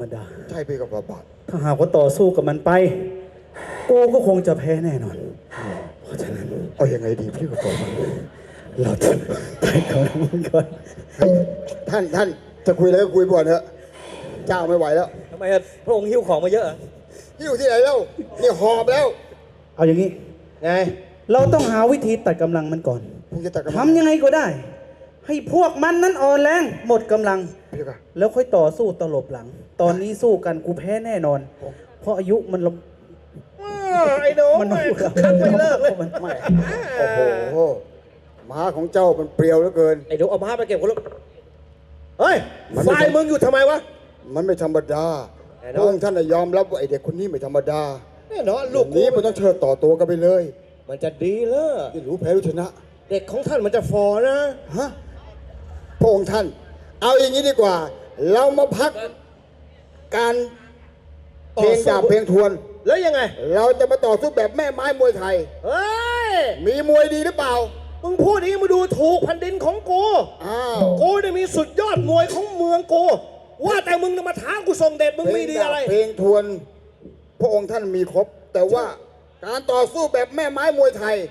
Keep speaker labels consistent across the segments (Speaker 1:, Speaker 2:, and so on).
Speaker 1: ดา
Speaker 2: ใช่พี่กับฝ่าบาท
Speaker 1: ถ้าหากว่าต่อสู้กับมันไปกูก็คงจะแพ้แน่นอนเพราะฉะนั้น
Speaker 2: เอายังไงดีพี่กับฝ่าบาท
Speaker 1: เราจะไปก่อนก่อน
Speaker 2: ท่านจะคุยอะไรก็คุยก่อนเถอะเจ้าไม่ไหวแล้ว
Speaker 3: ทำไมพระองค์หิ้วของมาเยอะ
Speaker 2: อยู่ที่ไหนแล้วนี่หอบแล้ว
Speaker 1: เอาอย่างนี้
Speaker 3: ไง
Speaker 1: เราต้องหาวิธีตัดกำลังมันก่อนทำยังไงก็ได้ ให้พวกมันนั้นอ่อนแรงหมดกำลังแล้วค่อยต่อสู้ตลบหลัง ตอนนี้สู้กันกูแพ้แน่นอนเพราะอายุมันล
Speaker 3: ไอ้โน้
Speaker 1: มัน
Speaker 3: คัดไม่เลิกเลย
Speaker 2: โอ้โหม้าของเจ้ามันเปรียวเหลือเกิน
Speaker 3: ไอ้โน้เอาม้าไปเก็บคนละเฮ้ยฝ่ายมึงอยู่ทำไมวะ
Speaker 2: มันไม่ธรรมดาพระองค์ท่านยอมรับว่าไอเด็กคนนี้ไม่ธรรมดา
Speaker 3: แน่นอนลูก
Speaker 2: นี้มันต้องเชิดต่อตัวกันไปเลย
Speaker 3: มันจะดีเลย
Speaker 2: ที่รู้แพ้รู้ชนะ
Speaker 3: เด็กของท่านมันจะฟอนะ
Speaker 2: ฮะพระองค์ท่านเอาอย่างนี้ดีกว่าเรามาพักการเพลงดาบเพลงทวน
Speaker 3: แล้วยังไง
Speaker 2: เราจะมาต่อสู้แบบแม่ไม้มวยไทย
Speaker 3: เฮ้ย
Speaker 2: มีมวยดีหรือเปล่า
Speaker 3: มึงพูดนี้มาดูถูกแผ่นดินของกูกูได้มีสุดยอดมวยของเมืองกูว่าแต่มึงมาท้ากูส่งเด็ดมึงมีดีอะไร
Speaker 2: เพลงทวนพระองค์ท่านมีครบแต่ว่าการต่อสู้แบบแม่ไม้มวยไทย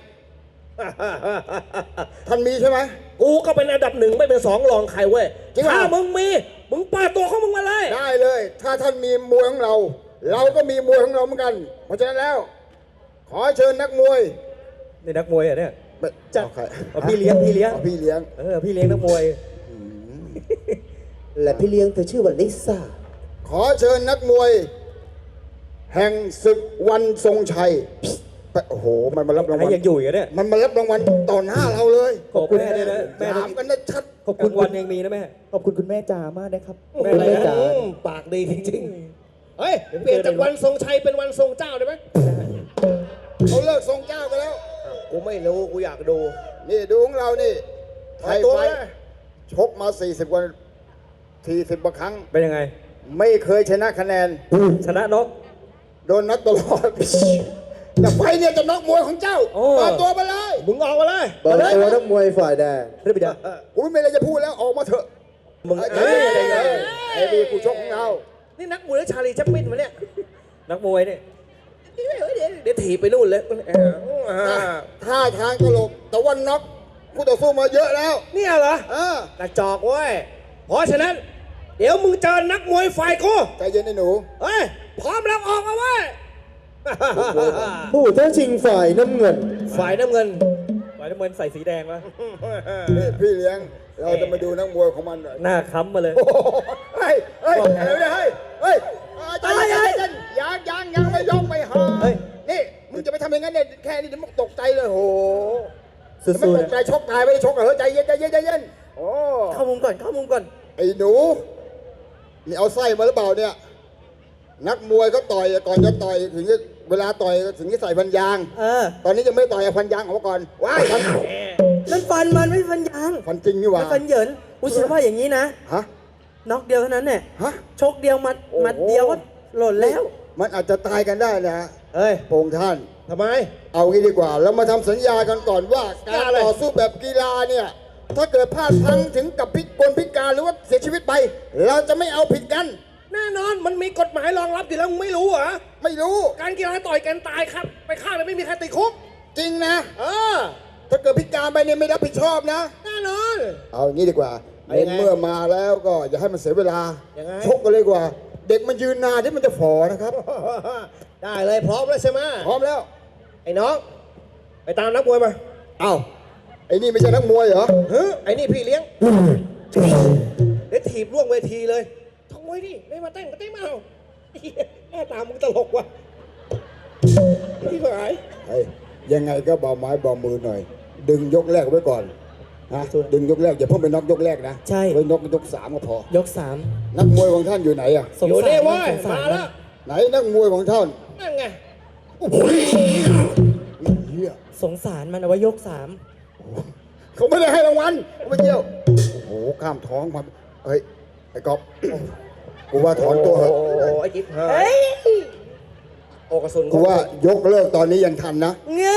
Speaker 2: ท่านมีใช่ไหม
Speaker 3: กูก็เป็นอันดับหนึ่งไม่เป็นสองรองใครเว้ยถ้ามึงมีมึงปาตัวของมึงมาเลย
Speaker 2: ได้เลยถ้าท่านมีมวยของเราเราก็มีมวยของเราเหมือนกันเพราะฉะนั้นแล้วขอเชิญนักมวย
Speaker 3: นี่นักมวยอ่ะเนี่ย
Speaker 2: จัด
Speaker 3: พี่เลี้ยงพี่เลี้ยง
Speaker 2: พี่เลี้ยง
Speaker 3: พี่เลี้ยงนักมวย
Speaker 4: และพี่เลี้ยงเธอชื่อว่าลิซ่า
Speaker 2: ขอเชิญนักมวยแห่งศึกวันทรงชัยโอ้โหมันมารับรางวัล
Speaker 3: ยังอยู่เนี่ย
Speaker 2: มันมารับรางวัลต่อหน้าเราเลย
Speaker 3: ขอบคุณแม่ด้วยนะ
Speaker 2: แม่ถามกันได้ชัด
Speaker 3: ขอบคุณวันยังมีนะแม่
Speaker 4: ขอบคุณคุณแม่จ๋ามากนะครับ
Speaker 3: แม่จ๋าปากดีจริงๆเฮ้ยเปลี่ยนจากวันทรงชัยเป็นวันทรงเจ้าได้ไหม
Speaker 2: เขาเลิกทรงเจ้ากันแล้ว
Speaker 3: กูไม่รู้กูอยากดู
Speaker 2: นี่ดูของเรานี่ไทยไฟชกมา40 กว่า40 กว่าครั้ง
Speaker 3: เป็นยังไง
Speaker 2: ไม่เคยชนะคะแนน
Speaker 3: ชนะน็อก
Speaker 2: โดนน็อกตลอดแต่ไฟเนี่ยจะน็อกมวยของเจ้าเปิดตัวมาเลย
Speaker 3: มึงออกมาเลย
Speaker 4: เปิดตัวนักมวยฝ่ายแดง
Speaker 3: เรียบร้อย
Speaker 2: อุ้ยไม่อะไรจะพูดแล้วออกมาเถอะมึงไอ้ดีผู้ชกของเรา
Speaker 3: นี่นักมวยแล้วชาลีแชมปินมาเนี่ยนักมวยเนี่ยเดี๋ยวถีบไปนู่นเลย
Speaker 2: ท่าทางตลกแต่ว่าน็อกผู้ต่อสู้มาเยอะแล้ว
Speaker 3: เนี่ยเหรอกระจอกเว้ยเพราะฉะนั้นเดี๋ยวมึงเจอนักมวยฝ่ายกู
Speaker 2: ใจเย็นไอ้หนู
Speaker 3: เฮ้ยพร้อมแล้วออกมาเว้ย
Speaker 4: ผู้ท้าชิงฝ่ายน้ำเงิน
Speaker 3: ฝ่ายน้ำเงินใส่สีแดงวะ
Speaker 2: พี่เลี้ยงเราจะมาดูนักมวยของมันหน่อย
Speaker 3: หน้าค้ำมาเลย
Speaker 2: เฮ้ยอะไรเฮ้ยใจเย็นยังไม่ยกไม่หานี่มึงจะไปทำอย่างนั้นเนี่ยแค่นี้จะมึงตกใจเลยโหไม่ตกใจชกตายไม่ได้ชกเหรอใจเย็นโอ้
Speaker 3: เข้ามุมก่อน
Speaker 2: ไอ้หนูนี่เอาไส้มาหรือเปล่าเนี่ยนักมวยเขาต่อยก่อนจะต่อยถึงเวลาต่อยถึงจะใส่ฟันยางตอนนี้ยังไม่ต่อยฟันยางออกมาก่อนว้าย
Speaker 4: นั่นฟันมันไม่ฟันยาง
Speaker 2: ฟันจริงนี่หว่า
Speaker 4: ฟันเหยินอุ้ยฉันว่าอย่างนี้นะน็อกเดียวเท่านั้นเนี่ยชกเดียวมัดเดียวก็หล่นแล้ว
Speaker 2: มันอาจจะตายกันได้นะโปงท่าน
Speaker 3: ทำไม
Speaker 2: เอางี้ดีกว่าเรามาทำสัญญากันก่อนว่าการต่อสู้แบบกีฬาเนี่ยถ้าเกิดพลาดพลั้งถึงกับพิการหรือว่าเสียชีวิตไปเราจะไม่เอาผิดกัน
Speaker 3: แน่นอนมันมีกฎหมายรองรับอยู่แล้วมึงไม่รู้เหรอ
Speaker 2: ไม่รู้
Speaker 3: การกีฬาต่อยกันตายครับไปฆ่าเลยไม่มีใครติดคุก
Speaker 2: จริงนะถ้าเกิดพิการไปเนี่ยไม่รับผิดชอบนะ
Speaker 3: แน่นอน
Speaker 2: เอาอย่างนี้ดีกว่าเมื่อมาแล้วก็อย่าให้มันเสียเวลาชกกันเลยกว่าเด็กมันยืนนานที่มันจะฝ่อนะครับ
Speaker 3: ได้เลยพร้อมแล้วใช่ไหม
Speaker 2: พร้อมแล้ว
Speaker 3: ไอ้น้องไปตามนักมวยมา
Speaker 2: อ้าวไอ้นี่ไม่ใช่นักมวยเหรอ
Speaker 3: ไอ้นี่พี่เลี้ยงเดี๋ยวถีบล่วงเวทีเลยทำไมดิไม่มาเต้นก็เต้นมาเอาแม่ตามมึงตลกว่ะที่หาย
Speaker 2: ยังไงก็เบาไม้เบามือหน่อยดึงยกแรกไว้ก่อนนะดึงยกแรกอย่าเพิ่งไปน็อกยกแรกนะ
Speaker 4: ใช่
Speaker 2: ไว้น็อกยก3ก็พอย
Speaker 4: ก3
Speaker 2: นักมวยของท่านอยู่ไหนอ่ะ
Speaker 3: อยู่นี่เว้ยมาแล้ว
Speaker 2: ไหนนักมวยของท่าน
Speaker 3: นั่นไง
Speaker 4: สงสารมันเอาไว้ยก
Speaker 2: 3เขาไม่ได้ให้รางวัลเขาไม่เที่ยวโอ้โหข้ามท้องมาเฮ้ยไอ้ก๊อฟกูว่าถอนตัวเหรอ
Speaker 3: ไอ้กิ๊บเฮ้ยโอกระสุน
Speaker 2: กูว่ายกเลิกตอนนี้ยังทันนะ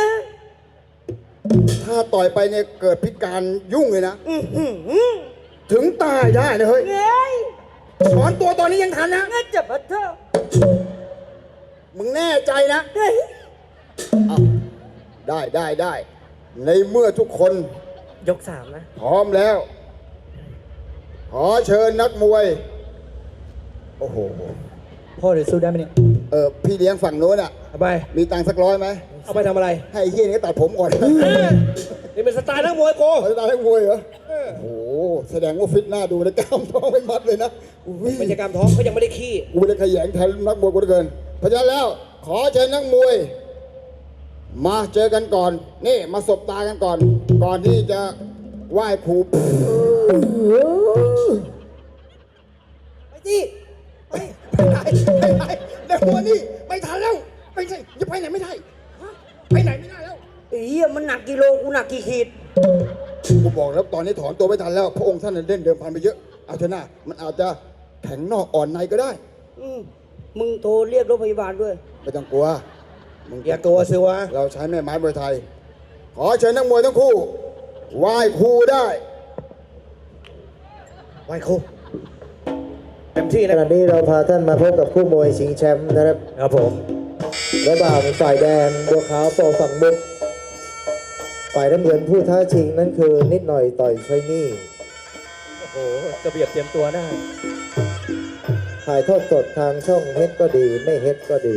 Speaker 2: ถ้าต่อยไปเนี่ยเกิดพิการยุ่งเลยนะถึงตายได้นะเฮ้ยถอนตัวตอนนี้ยังทันนะ
Speaker 4: งั้นจะมาเถอะ
Speaker 2: มึงแน่ใจนะเอาได้ ในเมื่อทุกคน
Speaker 4: ยก 3 นะ
Speaker 2: พร้อมแล้ว ขอเชิญนักมวย โอ้โห
Speaker 3: พ่อเดี๋ยวสู้ได้ไหมเนี่ย
Speaker 2: พี่เลี้ยงฝั่งโน้นอ่ะ
Speaker 3: เอาไป
Speaker 2: มีตังค์สัก100ไหม
Speaker 3: เอาไปทำอะไร
Speaker 2: ให้ไอ้เฮียนี่ก็ตัดผมก่อน
Speaker 3: นี่เป็นสไตล์นักมวยโก
Speaker 2: เขาจะตัดนักมวยเหรอ โอ้โห แสดงว่าฟิตหน้าดูนะกล้ามท้องไม่มัดเลยนะอุ้ย
Speaker 3: บรรยากาศท้องเขายังไม่ได้ขี้
Speaker 2: กูไม่ได้ขยันแทนนักมวยกูเหลือเกิน เพราะฉะนั้นแล้ว ขอเชิญนักมวย มาเจอกันก่อน นี่มาสบตากันก่อน ก่อนที่จะไหว้ครู
Speaker 4: ไปสิ
Speaker 2: ไปไหนนักมวยนี่ไม่ทันแล้วไปไหนจะไปไหนไม่ได้ฮะไปไหนไม่ได้แล้ว
Speaker 4: ไอ้เหี้ยมันหนักกิโลกูหนักกี่ขีด
Speaker 2: กูบอกแล้วตอนนี้ถอนตัวไม่ทันแล้ว พระองค์ท่านเล่นเดิมพันไปเยอะ เอาเถอะนะมันอาจจะแข็งนอกอ่อนในก็ได้
Speaker 4: มึงโทรเรียกรถพยาบาลด้วย
Speaker 2: ไม่ต้องกลัวมึง
Speaker 3: อย่ากลัวสิวะ
Speaker 2: เราใช้แม่ไม้มวยไทย ขอเชิญนักมวยทั้งคู่ไหว้ครูได้
Speaker 3: ไหวครูเต็มที่
Speaker 5: ข
Speaker 3: นะ
Speaker 5: ณะนี้เราพาท่านมาพบกับคู่มวยชิงแชมป์นะครับ
Speaker 3: ครับผม
Speaker 5: ระหว่างฝ่ายแดงบัวขาวปอฝั่งมุกฝ่ายน้ำเงินผู้ท้าชิงนั่นคือนิดหน่อยต่อยชัยนี่
Speaker 3: โอ้โหกระเบียบเตรียมตัวได้
Speaker 5: ถ่ายทอดสดทางช่องเฮ็ดก็ดีไม่เฮ็ดก็ดี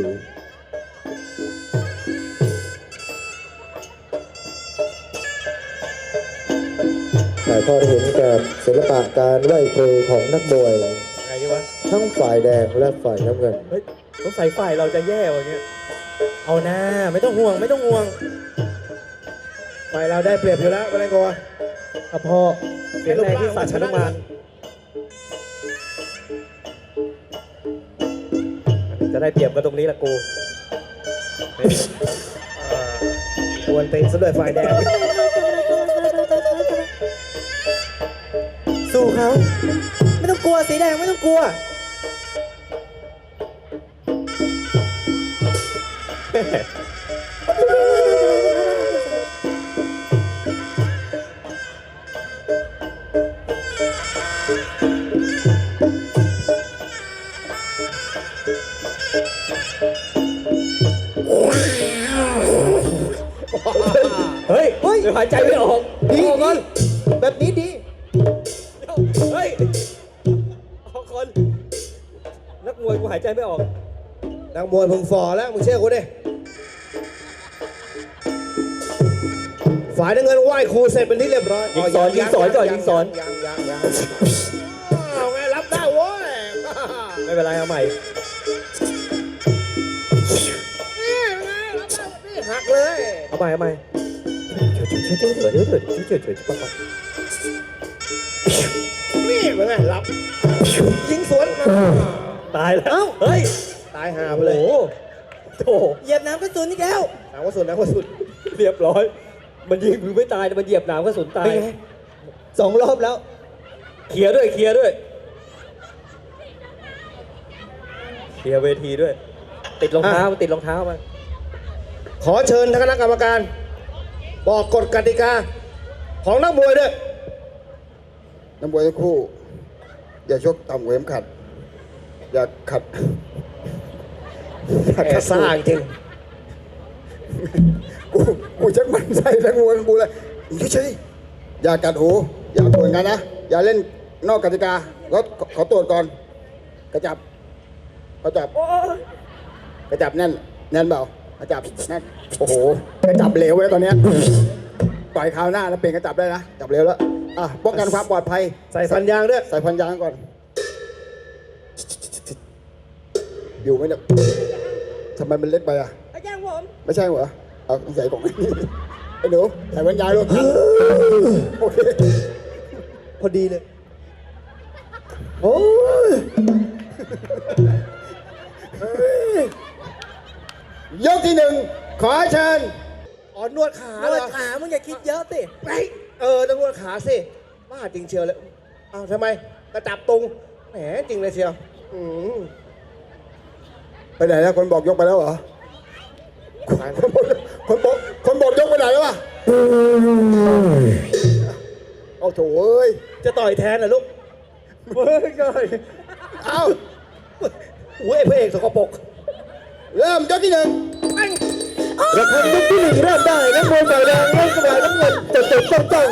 Speaker 5: ถ่ายทอดให้เห็นกับศิลปะการไหว้ครูของนักมวย
Speaker 3: ไงดีวะ
Speaker 5: ทั้งฝ่ายแดงและฝ่ายน้ำเงิน
Speaker 3: เฮ้ยสงสัยฝ่ายเราจะแย่วันนี้
Speaker 4: เอาหน้าไม่ต้องห่วงไม่ต้องห่วง
Speaker 3: ฝ่ายเราได้เปรียบอยู่แล้วไม่ต้องกลัว
Speaker 4: อะพ่อ
Speaker 3: เสียงแรงที่สัตว์ชนะมารจะได้เปรียบกันตรงนี้ละกูควรตีนซะด้วยฝ่ายแดง
Speaker 4: สู้เขาไม่ต้องกลัวสีแดงไม่ต้องกลัว
Speaker 3: เฮ้ยเดี๋ยวหายใจไม่ออก
Speaker 4: ดี
Speaker 3: ออกก่อน
Speaker 4: แบบนี้ดี
Speaker 3: เฮ้ยออกก่อนนักมวยกูหายใจไม่ออก นักมวยมึงฝ่อแล้วมึงเชื่อกูดิฝ่ายน้ำเงินไหว้ครูเสร็จเป็นที่เรียบร้อย
Speaker 4: ยิงสอนยิงสอนก่อนยิงสอน
Speaker 2: ยัง
Speaker 3: เอาไงรับได้โว้ยไม่เป็นไรเอาใหม่นี่ไงรับได้นี่หักเลยเอาใหม่เอาใหม่นี่เป็นไงรับยิงสวนตายแล้วเฮ้ยตายหาไปเลยโอ้โห
Speaker 4: เหยียบน้ำกระสุนอีกแล้ว
Speaker 3: หนาวกระสุนหนาวกระสุนเรียบร้อย มันยิงมึงไม่ตายแต่มันเหยียบหนาวกระสุนตาย
Speaker 4: เป็นไง 2 รอบแล้ว
Speaker 3: เคลียร์ด้วยเคลียร์ด้วยเคลียร์เวทีด้วย ติดรองเท้าติดรองเท้ามาขอเชิญท่านคณะกรรมการ บอกกฎกติกา ของนักมวยด้วย
Speaker 2: นักมวยทั้งคู่ อย่าชกต่ำกว่าเข็มขัด อย่าขัด
Speaker 3: แอบซ่าจริง
Speaker 2: กูชักมันใส่นักมวยของกูเลยเฉยๆอย่ากัดหู อย่าตรวจกันนะ อย่าเล่นนอกกติกาแล้วขอตรวจก่อน กระจับกระจับกระจับแน่นแน่นเปล่ากระจับแน่นโอ้โหกระจับเหลวไว้ตอนเนี้ยปล่อยคราวหน้าแล้วเปลี่ยนกระจับได้นะจับเหลวแล้วอ่ะป้องกันความปลอดภัย
Speaker 3: ใส่ฟันยางด้วย
Speaker 2: ใส่พันยางก่อน อยู่ไหมเนี่ยทำไมมันเล็กไปอ่ะ
Speaker 4: อาจารย์ผม
Speaker 2: ไม่ใช่เหรอ เอาใส่กล่องไอ้หนูใส่พันยางลูกโอเค
Speaker 4: พอดีเลย
Speaker 2: โอ้ยยกที่ 1 ขอเชิญ
Speaker 3: อ๋อนวดขา
Speaker 4: เอา
Speaker 3: เหรอ
Speaker 4: ขามึงอย่าคิดเยอะสิ
Speaker 3: ไปต้องนวดขาสิบ้าจริงเชียวเลยอ้าวทำไมกระจับตรงแหมจริงเลยเชียว
Speaker 2: ไปไหนแล้วคนบอกยกไปแล้วเหรอ คนบอกยกไปไหนแล้ววะเอาโถเอ้ย
Speaker 3: จะต่อยแทนเหรอลูกเฮ้ย
Speaker 2: เอา
Speaker 3: โอ้ยไอ้พระเอกสกปรก
Speaker 2: เริ่มยกที่หนึ่ง
Speaker 5: ระฆังยกที่หนึ่งเริ่มได้นักมวยฝ่ายแดงเล่นกระบอกน้ำเงินจดจ้อง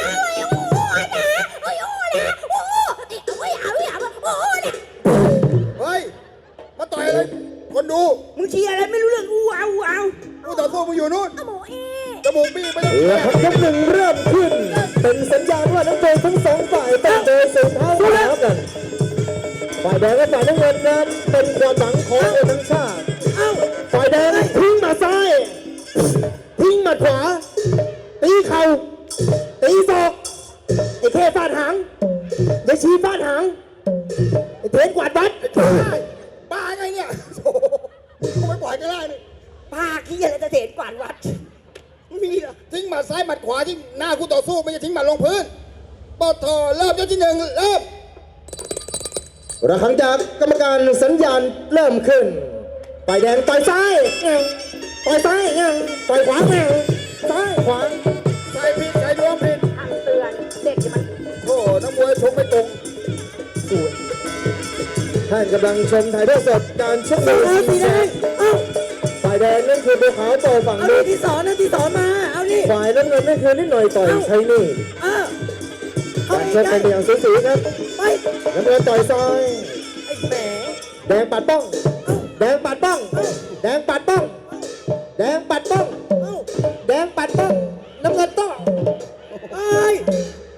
Speaker 2: เฮ้ยมาต่อยอะไรคนดู
Speaker 4: มึงเชียร์อะไรไม่รู้เรื่องอู้เอา
Speaker 2: ผู้ต่อสู้มึงอยู่นู่นจมูกบี้ไม่ต้อง
Speaker 5: ระฆังยกหนึ่งเริ่มขึ้น เป็นสัญญาณว่านักมวยทั้งสองฝ่ายต้องเจอเสียงเท้าสู้แล้วกันฝ่ายแดงและฝ่ายน้ำเงินนั้นเป็นความหวังของคนทั้งชาติฝ่ายแดงทิ้งหมัดซ้ายทิ้งหมัดขวาตีเข่าตีศอกไอ้เทฟาดหางไอ้ชีฟาดหางไอ้เทนกวาดวัด
Speaker 2: บ้าไงเนี่ยโอ้โหมึงไม่ปล่อยก็ได้นี่
Speaker 4: ป้าขี้อะไรจะเห็นกวาดวัด
Speaker 2: มีเหรอทิ้งหมัดซ้ายหมัดขวาที่หน้าคู่ต่อสู้ไม่ใช่ทิ้งหมัดลงพื้นปอทอเริ่มยกที่หนึ่งเริ่ม
Speaker 5: ระฆังจากกรรมการสัญญาณเริ่มขึ้นฝ่ายแดงต่อยซ้ายต่อยซ้ายต่อยขวาซ้ายขวา
Speaker 2: ใส่ผิดใส่ดวงผิด
Speaker 4: เตือนเด็กมัน
Speaker 2: โอ้โหนักมวยชกไม่ตรง
Speaker 5: ท่านกำลังชมถ่ายทอดสดการชกมวยสีแดงฝ่ายแดงนั่นคือบัวขาวโตฝั่ง
Speaker 4: เอา
Speaker 5: นู้
Speaker 4: ดิ
Speaker 5: น
Speaker 4: ที่สอนนะที่สอนมาเอาดิ
Speaker 5: ฝ่ายน้ำเงินนั่นคือนิดหน่อยต่อยใช้นี่
Speaker 4: เข้า
Speaker 5: การ
Speaker 4: ไป
Speaker 5: ชกเป็นอย่างสูสีครับ
Speaker 4: ไป
Speaker 5: น้ำเงินต่อยซ้าย
Speaker 4: ไอ้แหม
Speaker 5: แดงปัดป้องแดงปัดป้องแดงปัดป้องแดงปัดป้องแดงปัดป้องน้ำเงินต้อง
Speaker 4: เอ้ย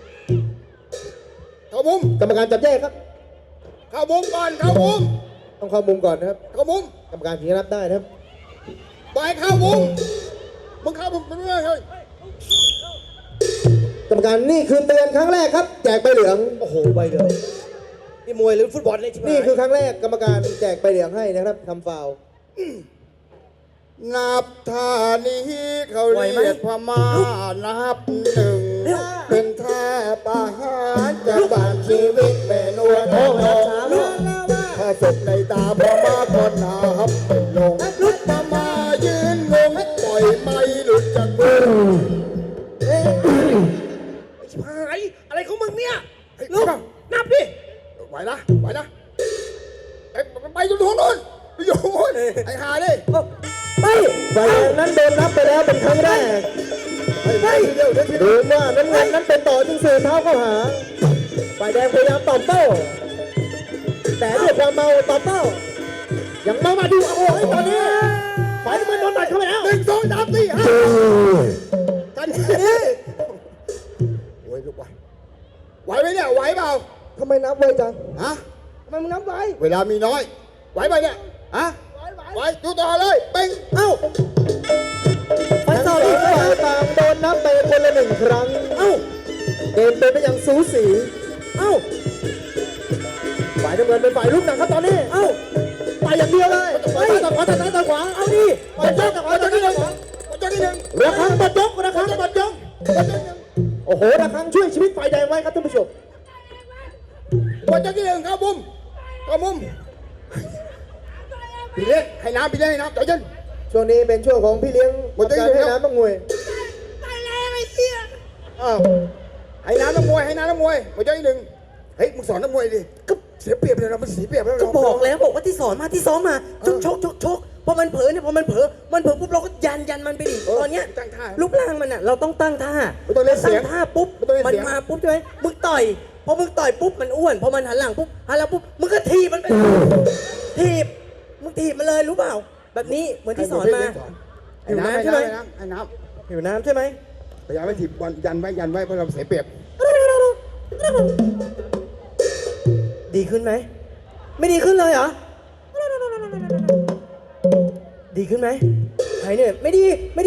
Speaker 2: เข้ามุม
Speaker 5: กรรมการจับแยกครับ
Speaker 2: เข้ามุมก่อนเข้ามุม
Speaker 5: ต้องเข้ามุมก่อนนะครับ
Speaker 2: เข้ามุม
Speaker 5: กรรมการถึงจะรับได้นะครับ
Speaker 2: ไปเข้ามุมมึงเข้ามุมเป็นเรื่องเฮ้ย
Speaker 5: กรรมการนี่คือเตือนครั้งแรกครับ แจกใบเหลือง
Speaker 3: โอ้โหใบเดียวนี่มวยหรือฟุตบอลเนี่ยชิบหาย
Speaker 5: นี่คือครั้งแรกกรรมการแจกใบเหลืองให้นะครับทำฟาวล์
Speaker 2: นับท่านี้เขาเรียกพม่านับหนึ่งเป็นท่าประหารจะบันชีวิตแม่นวลน้องถ้าศพในตาพม่าก็นับเป็นลงพม่ายืนงงปล่อยไม่หลุดจากมือ
Speaker 3: ชิบหายอะไรของมึงเนี่ย
Speaker 2: ลูก
Speaker 3: นับดิ
Speaker 2: ไหวนะไปอยู่ตรงนู้นไปอยู่ตรงนู้นไอ้หาดิ
Speaker 4: ไป
Speaker 5: ฝ่ายแดงนั้นโดนนับไปแล้วเป็นครั้งแรก
Speaker 2: ไปเร็วเดี๋ยวที
Speaker 5: ดูว่าน้ำเงินนั้นเป็นต่อจึงสื่อเท้าเข้าหา ฝ่ายแดงพยายามตอบโต้ แต่ด้วยความเมาตอบโต้ยังมาดูโอ้ยตอนนี้ฝ่ายน้ำเงินโดนตัดเข้าไปแล้ว
Speaker 2: 1 2 3 4 5กันโอ้ยลูกไหวไหมเนี่ยไหวเปล่า
Speaker 5: ทำไมนับไวจัง
Speaker 2: ฮะ
Speaker 4: ทำไมมึงนับไว้
Speaker 2: เวลามีน้อยไหวไหมเนี่ยฮะไหวดูต่อเลยเป่ง
Speaker 4: เอ้าไป
Speaker 5: ทั้ง
Speaker 4: ต่
Speaker 5: ส
Speaker 4: อ
Speaker 5: อง
Speaker 4: ดิ
Speaker 5: ฝ่ายต่างโดนนับไปคนละ1 ครั้ง
Speaker 4: เอ้า
Speaker 5: เกมเป็นไปอย่างสูสี
Speaker 4: เอ้า
Speaker 5: ฝ่ายน้ำเงินเป็นฝ่ายลุกหนักครับตอนนี้
Speaker 4: เอ้า
Speaker 5: ไปอย่างเดียวเลยไปต่อขวาต่อซ้ายต่อขวา
Speaker 4: เอาดิ
Speaker 5: ไปต่อขวาต่อซ้ายต่อขวา
Speaker 2: เจ้าที่หนึ่ง
Speaker 5: ระฆังบัดยกระฆังบัดยกโอ้โหระฆังช่วยชีวิตฝ่ายแดงไว้ครับท่านผู้ชม
Speaker 2: เจ้าที่หนึ่งเข้ามุมพี่เลี้ยงให้น้ำใจเย็น
Speaker 5: ช่วงนี้เป็นช่วงของพี่เลี้ยง
Speaker 2: หมดจะ
Speaker 5: การ
Speaker 2: อยู่
Speaker 5: ให้
Speaker 2: แล้ว
Speaker 5: น้ำต้องมวย
Speaker 2: อ้าวให้น้ำนักมวยเจ้าที่หนึ่งเฮ้ยมึงสอนนักมวยดิก็เสียเปรียบเลยนะมันเสียเปรียบแล้ว
Speaker 4: ก็บอกแล้วบอกว่าที่สอนมาชกพอมันเผลอเนี่ยพอมันเผลอปุ๊บเราก็ยันมันไปดิตอนเนี้ย
Speaker 2: ตั้งท่า
Speaker 4: รูปร่างมันอ่ะเราต้องตั้งท่า
Speaker 2: ไม่ต้องเล่นเสียง
Speaker 4: ตั้งท่าปุ๊บ
Speaker 2: ไม่ต้องเล่น
Speaker 4: มัน
Speaker 2: เสียง
Speaker 4: มาปุ๊บใช่ไหมมึงต่อยพอมึงต่อยปุ๊บมันอ้วนพอมันหันหลังปุ๊บมึงก็ถีบมันไปมึงถีบมันเลยรู้เปล่า แบบนี้เหมือนที่สอนมา
Speaker 2: ให้น้ำใช่ไหมให้น้
Speaker 4: หิวน้ำใช่ไหม
Speaker 2: ำพยายามไม่ถีบยันไว้เพราะเราเสียเปรียบ
Speaker 4: ดีขึ้นไหมไม่ดีขึ้นเลยเหรอดีขึ้นไหมหายเหนื่อยไม่ดี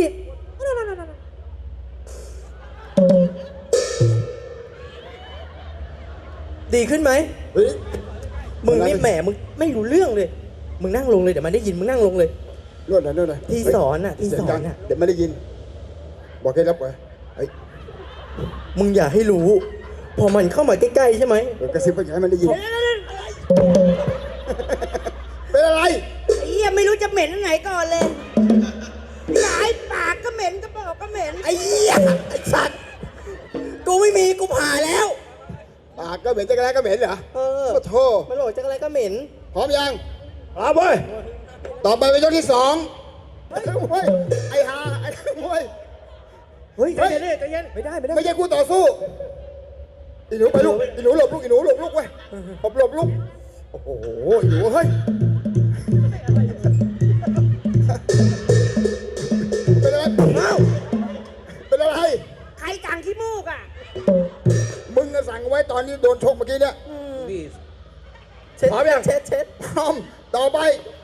Speaker 4: ดีขึ้นไหม
Speaker 2: เฮ้ย
Speaker 4: มึงนี่แหมมึงไม่รู้เรื่องเลย มึงนั่งลงเลยเดี๋ยวมันได้ยินมึงนั่งลงเลย
Speaker 2: นวดหน่อย
Speaker 4: ที่สอนน่ะที่สอนน่ะ
Speaker 2: เดี๋ยวไม่ได้ยินบอกให้รับไว้เฮ้ย
Speaker 4: มึงอย่าให้รู้ พอมันเข้ามาใกล้ๆใช่ไหม
Speaker 2: กระซิบไปให้มันได้ยินเป็นอะไร
Speaker 6: ไอ้เหี้ยไม่รู้จะเหม็นอันไหนก่อนเลยหลายปากก็เหม็นกระบอกก็เหม็น
Speaker 4: ไอ้เหี้ยไอ้สัตว์กูไม่มีกูผ่าแล้ว
Speaker 2: บปากก็เหม็นจะกระไรก็เหม็นเหรอ
Speaker 4: เออ
Speaker 2: โอ้โธ่
Speaker 4: มันบอกจะอะไรก็เหม็น
Speaker 2: พร้อมยัง
Speaker 3: ครับเว้ย
Speaker 2: ต่อไปเป็นยกที่สองไอ้นักมวยไอ้ฮาไอ้นักมวย
Speaker 4: เฮ้ย
Speaker 2: เฮ้ย
Speaker 3: ใจเย็น
Speaker 4: ไม่ได้ไม่ได้
Speaker 2: ไม่ใช่คู่ต่อสู้อีหนูไปลูกอีหนูหลบลูกอีหนูหลบลูกเว้ยหลบลูกโอ้โหอีหนูเฮ้ยเป็นอะไรเอ้าเป็นอะไร
Speaker 6: ใครจังขี้มูกอ่ะ
Speaker 2: มึงก็สั่งไว้ตอนนี้โดนชกเมื่อกี้เนี่ย
Speaker 3: พี่
Speaker 4: เช็ด
Speaker 3: พร้อมยัง
Speaker 4: เช็ดเช็ด
Speaker 2: พร้อมต่อไป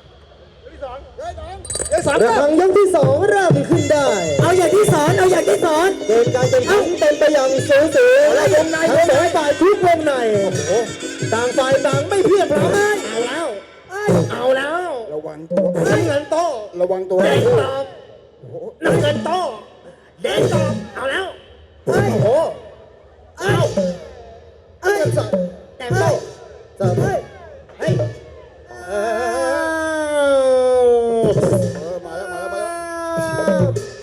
Speaker 3: เดี๋ยวสอน
Speaker 5: ระฆังยกที่สองเริ่มขึ้นได้
Speaker 4: เอาอย่างที่สอนเอาอย่างที่สอน
Speaker 5: เกมการแข่งขันเป็นไปอย่างสูสีทั้งสองฝ่ายทุกวงในต่างฝ่ายต่างไม่เพียงพร้อม
Speaker 3: เอาแล้ว เอาแล้ว
Speaker 2: ระวังตัว
Speaker 3: น้ำเงินโต
Speaker 2: ระวังตัว
Speaker 3: แดงตอบน้ำเงินโตแดงตอบเอาแล้ว โอ้โห เอา
Speaker 2: เอ้ย
Speaker 3: แดงโต
Speaker 5: สาม
Speaker 3: เฮ้ย
Speaker 2: มาแล้ว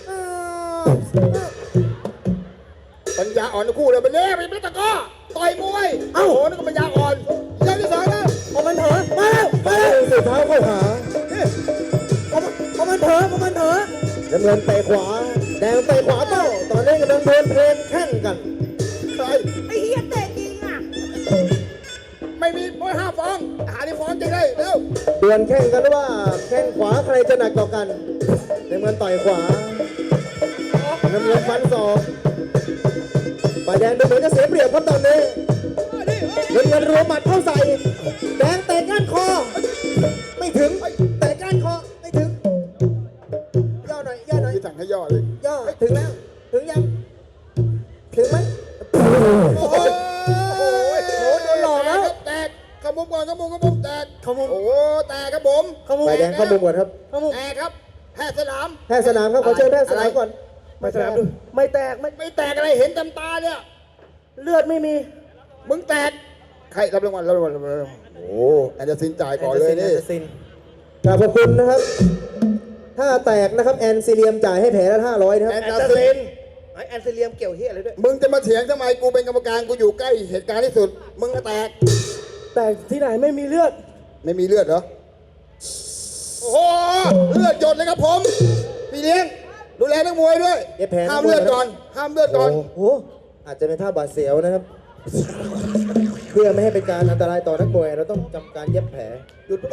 Speaker 2: ปัญญาอ่อนทั้งคู่เลยมันเล่ไปไม่ตะก้อต่อยมวยโอ้โหนั่นก็ปัญญาอ่อนยกที่สองแล้ว
Speaker 4: พอมันเผลอมาแล้วมาแล้ว
Speaker 5: สุดเท้าเข้าหา
Speaker 4: พอมันเผลอพอมันเผลอ
Speaker 5: น้ำเงินเตะขวา แดงเตะขวาโต้ตอนนี้กำลังโดนเพลนแข่งกัน
Speaker 2: ใคร
Speaker 6: ไอ้เหี้ยเตะจริงอ่ะ
Speaker 2: ไม่มีมวยห้าฟองหาที่ฟองจริงเลยเร็ว
Speaker 5: ดวลแข่งกันว่าแข้งขวาใครจะหนักกว่ากันน้ำเงินต่อยขวาน้ำเงินฟันศอกฝ่ายแดงดูเหมือนจะเสียเปรียบครับตอนนี้น้ำเงินรัวหมัดเข้าใส่แดงเตะก้านคอ ไม่ถึงเตะก้านคอไม่ถึงย่อหน่อยย่อหน่อย
Speaker 2: ที่สั่งให้ย่อเลย
Speaker 5: ย่อถึงแล้วถึงยังถึงไหม
Speaker 2: โอ้โหโดนหลอกแล้วแตกขมุมก่อนขมุมแตก
Speaker 4: ขมุม
Speaker 2: โอ้โหแตกครับผม
Speaker 5: ฝ่ายแดงเข้ามุมก่อนครับ
Speaker 4: ขมุม
Speaker 2: แตกครับแพทย์สนาม
Speaker 5: แพทย์สนามครับขอเชิญแพทย์สนามก่อน
Speaker 3: ไปสนามดู
Speaker 4: ไม่แตกไม่
Speaker 2: ไม่แตกอะไรเห็นเต็มตาเนี่ย
Speaker 4: เลือดไม่มี
Speaker 2: มึงแตกใครรับรางวัลโอ้แอนเดอร์ซินจ่ายก่อนเลยนี่
Speaker 4: แอนเดอร์ซิน
Speaker 5: กราบขอบคุณนะครับ ถ้าแตกนะครับแอนซิเลียมจ่ายให้แผลละ500นะครับ
Speaker 2: แอน
Speaker 3: แอน
Speaker 2: เดอ
Speaker 3: เตอ
Speaker 2: ร์
Speaker 3: ร์
Speaker 2: ซิ
Speaker 3: เซ
Speaker 2: น
Speaker 3: นไอแอนเซเลียมเกี่ยวเฮียอะไรด้วย
Speaker 2: มึงจะมาเถียงทำไมกูเป็นกรรมการกูอยู่ใกล้เหตุการณ์ที่สุด มึงก็แตก
Speaker 4: แต่ที่ไหนไม่มีเลือด
Speaker 2: ไม่มีเลือดเหรอ โอ้โห เลือดหยดเลยครับผม พี่เลี้ยง ดูแลนักมวยด้วย
Speaker 5: เย็บแผล
Speaker 2: ห้ามเลือดก่อน ห้ามเลือดก่อน
Speaker 5: โอ้โหอาจจะเป็นท่าบาดเสียวนะครับ เพื่อไม่ให้เป็นการอันตรายต่อนักมวยเราต้องทำการเย็บแผล
Speaker 2: หยุด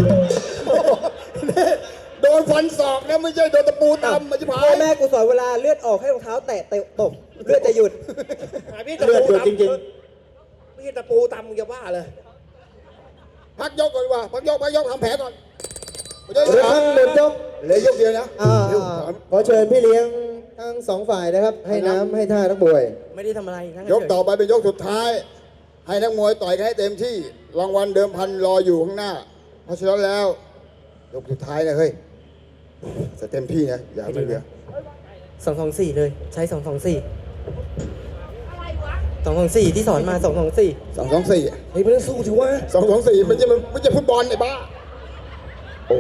Speaker 2: โดนฟันศอกนะไม่ใช่โดนตะปูตำมันจะพา
Speaker 4: พ่อย แม่กูสอนเวลาเลือดออกให้รองเท้าแตะตกเลือดจะหยุด
Speaker 3: พี่ตะ
Speaker 5: เลือด
Speaker 3: ปู
Speaker 5: หยุดจริง
Speaker 3: พี่ตะปูตำมึงจะบ้าเลย
Speaker 2: พักยกก่อนดีกว่าพักยกทำแผลก่อนเดี๋ยว
Speaker 5: ๆระฆังหมดยก
Speaker 2: เหลือยกเดียวนะ
Speaker 5: ขอเชิญพี่เลี้ยงทั้งสองฝ่ายนะครับ ให้น้ำให้ท่านักมวย
Speaker 4: ไม่ได้ทำอะไรนั่ง
Speaker 2: ยกต่อไปเป็นยกสุดท้าย ให้นักมวยต่อยกันให้เต็มที่ รางวัลเดิมพันรออยู่ข้างหน้า เพราะฉะนั้นแล้ว ยกสุดท้ายนะเฮ้ยจะเต็มที่นะอย่าให้มันเหลือ
Speaker 4: 224 เลย ใช้ 224 224 ที่สอนมา 224
Speaker 2: 224
Speaker 3: เฮ้ยมันต้องสู้ถือว่า
Speaker 2: 224มันไม่ใช่ฟุตบอลไอ้บ้า โอ้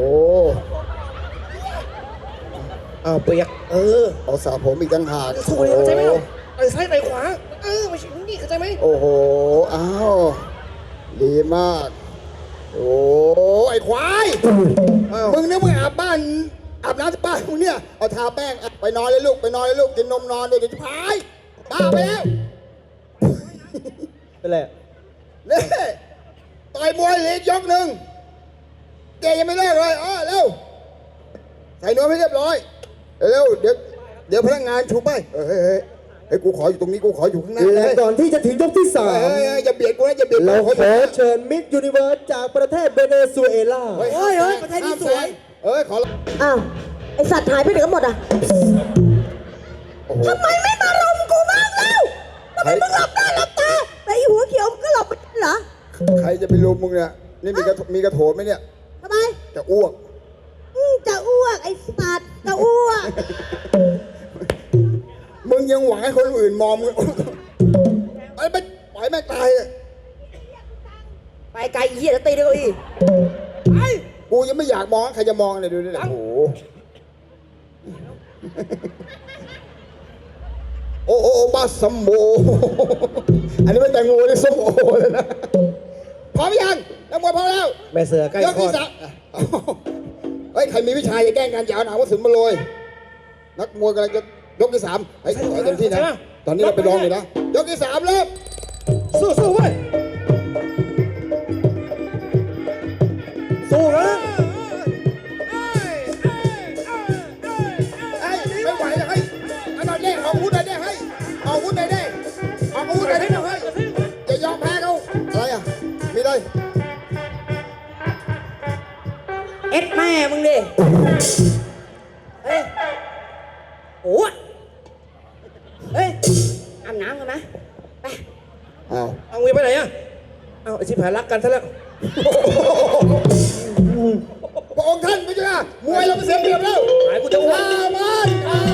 Speaker 3: อ้าวเปียก
Speaker 2: เอาสาผมอีกต่างหาก
Speaker 3: สู้เลยเข้าใจไหมไอ้ซ้ายไอ้ขวา ไม่ใช่นี่เข้าใจไหม
Speaker 2: โอ้โห อ้าว ดีมาก โอ้ไอ้ควาย มึงเนี่ยมึงอาบบ้านอาบน้ำที่บ้านมึงเนี่ย เอาทาแป้งไปนอนเลยลูก ไปนอนเลยลูก กินนมนอนเดี๋ยวจะพายบ้าไปแล้ว
Speaker 5: เป็นไร
Speaker 2: นี่ต่อยมวยเหล็กยกหนึ่งเกยังไม่เลิกเลยเร็ว ใส่นวมให้เรียบร้อย เร็ว เดี๋ยวพนักงานชูไปเฮ้ย กูขออยู่ตรงนี้ กูขออยู่ข้างหน้า
Speaker 5: และก่อนที่จะถึงยกที่
Speaker 2: เฮ้ยอย่าเบียดกูนะอย่าเบียด
Speaker 5: 3 เราข
Speaker 2: กู
Speaker 5: อเชิญมิสยูนิเวิร์สจากประเทศเวเนซุเอลา
Speaker 2: เฮ้ย
Speaker 4: ประเทศนี้สวย
Speaker 2: ขอ
Speaker 6: อ้าว ไอสัตว์หายไปไหนกันหมดอ่ะ
Speaker 2: โอ้โห
Speaker 6: ทำไมไม่มารุมกูบ้างเล่าทำไมมึงหลับหน้าหลับตาแต่อีหัวเขียวมึงก็หลับไปเหรอ
Speaker 2: ใครจะไปรุมมึงเนี่ย นี่มีกระโถนไหมเนี่ย
Speaker 6: ทำไม
Speaker 2: จะอ้วก
Speaker 6: จะอ้วกไอสัตว์จะอ้วก
Speaker 2: มึงยังหวังให้คนอื่นมองมึง ไปปล่อยแม่งตายอะ
Speaker 6: ไปไกลอีเหี้ยแล้วตีด้วยเก้าอี้ไป
Speaker 2: กูยังไม่อยากมองใครจะมองเลยดูดิโอ้โหโอ้บาสมโบอันนี้ไม่แตงโมนี่ส้มโอเลยนะพร้อมยังนักมวยพร้อมแล้ว
Speaker 3: แม่เสือใกล้
Speaker 2: ยก
Speaker 3: คลอ
Speaker 2: ที่
Speaker 3: ด
Speaker 2: สามเฮ้ยใครมีวิชาอย่าแกล้งกันอย่าเอาหนาวกระสุนมาโรยนักมวยกำลังจะยกที่สามไอ้ต่อยเต็มที่นะตอนนี้เราไปลองอยู่นะยกที่สามเริ่ม
Speaker 3: สู้เว้ยสู้นะ
Speaker 2: ไอ้ไม่ไหวแล้วเฮ้ยเอาหน่อยเด้ออกอาวุธหน่อยเด้อเฮ้ยออกอาวุธหน่อยเด้อออกอาวุธหน่อยเด้อเฮ้ยอย่ายอมแพ้เขาอะไรอ่ะมีได้
Speaker 4: เอ็ดแม่มึงดิ เฮ้ย โอ้ยเฮ้ย อาบน้ำกันไหมไป
Speaker 2: อ้าว
Speaker 3: เอาเงินไปไหนอ่ะเอาไอชิบหายรักกันซะแล้ว
Speaker 2: พระองค์ท่านไม่ใช่นะมวยเราไปเสียเปรียบแล้ว
Speaker 3: หายกูจะอ้วน
Speaker 2: อามัน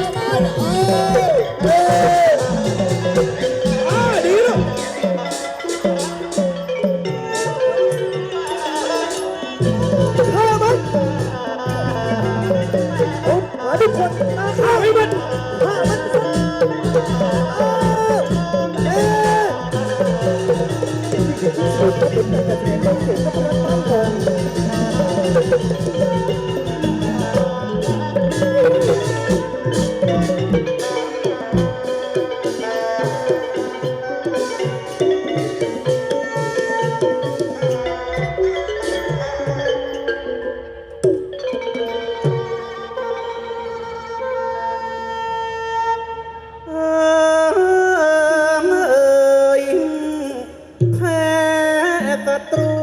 Speaker 3: ดีแล้ว
Speaker 5: หาทุกคนนะข้าให้มันฆ่ามันสุดก็เป็นแต่จะเสียงเสียงก็พลังตั้งของ
Speaker 1: แพ้ศัตรู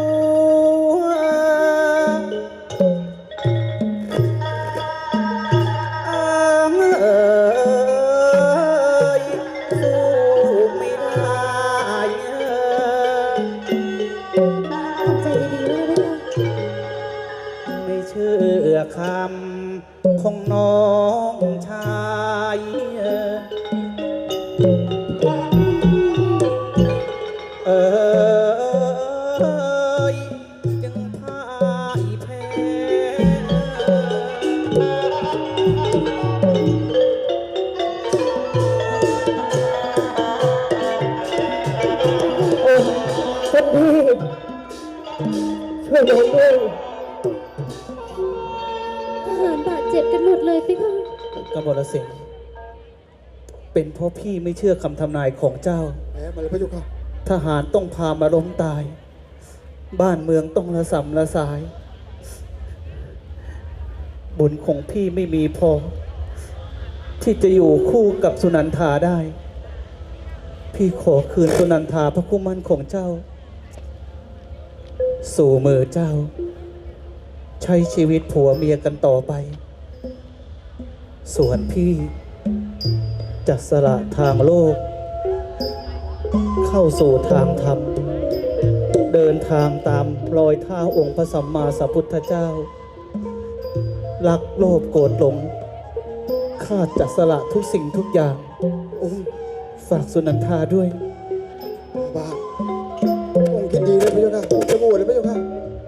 Speaker 1: สู้ไม่ได้
Speaker 6: ทำใจดีๆไว้นะพี่ค่ะ
Speaker 1: ไม่เชื่อคำของน้องชายยังพ่ายแพ้
Speaker 5: คนดีช่วยผมด้วย
Speaker 6: ทหารบาดเจ็บกันหมดเลยพี่ค่ะ
Speaker 1: กบฏสิงห์เป็นเพราะพี่ไม่เชื่อคำทำนายของเจ้า
Speaker 2: แพ้มาเลยพระเจ้าค่ะ
Speaker 1: ทหารต้องพามาล้มตาย บ้านเมืองต้องระสำระสาย บุญของพี่ไม่มีพอ ที่จะอยู่คู่กับสุนันทาได้ พี่ขอคืนสุนันทาพระคู่มั่นของเจ้า สู่มือเจ้า ใช้ชีวิตผัวเมียกันต่อไป ส่วนพี่จะสละทางโลก เข้าสู่ทางธรรม เดินทางตามรอยเท้าองค์พระสัมมาสัมพุทธเจ้า รักโลภโกรธหลง ข้าจะสละทุกสิ่งทุกอย่างฝากสุนันทาด้วย
Speaker 2: บ้าองค์คิดดีเลยพระเจ้าค่ะองค์จะโหวตเลยพระเจ้าค่ะ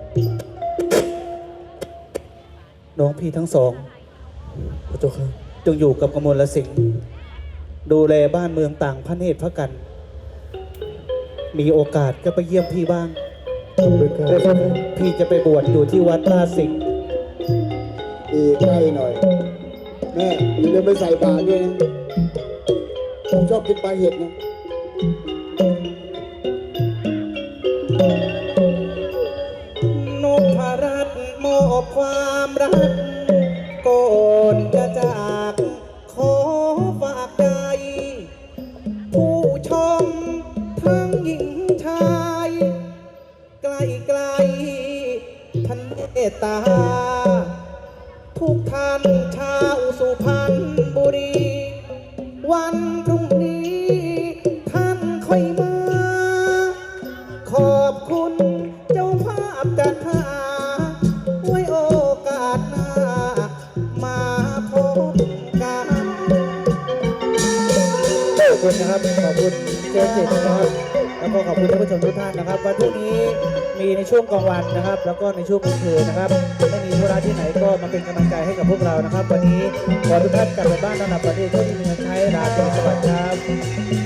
Speaker 1: น้องพี่ทั้งสองพระเจ้าค่ะจงอยู่กับกมลสิงห์ดูแลบ้านเมืองต่างพระเนตรพระกัน มีโอกาสก็ไปเยี่ยมพี่บ้าง พี่จะไปบวชอยู่ที่วัดลาดสิงห์
Speaker 2: ดีใกล้หน่อย แม่อย่าลืมไปใส่บาตรด้วยนะผมชอบกินปลาเห็ดนะ
Speaker 1: นพรัตน์มอบความรักก่อนจะจากขอฝากใจ ผู้ชมทั้งหญิงชายไกลๆท่านเมตตา ทุกท่านชาวสุพรรณบุรี วันพรุ่งนี้ท่านค่อยมา ขอบคุณเจ้าภาพจัดหาไว้โอกาสหน้า มาพบกัน
Speaker 5: ขอบคุณนะครับ ขอบคุณเจมส์จิตนะครับ
Speaker 1: แล้วก็ขอบคุณท่านผู้ชมทุกท่านนะครับวันพรุ่งนี้มีในช่วงกลางวันนะครับ แล้วก็ในช่วงกลางคืนนะครับไม่มีธุระที่ไหนก็มาเป็นกำลังใจให้กับพวกเรานะครับ วันนี้ขอทุกท่านกลับไปบ้านนอนหลับฝันดีโชคดีมีเงินใช้ลาตรีสวัสดิ์ครับ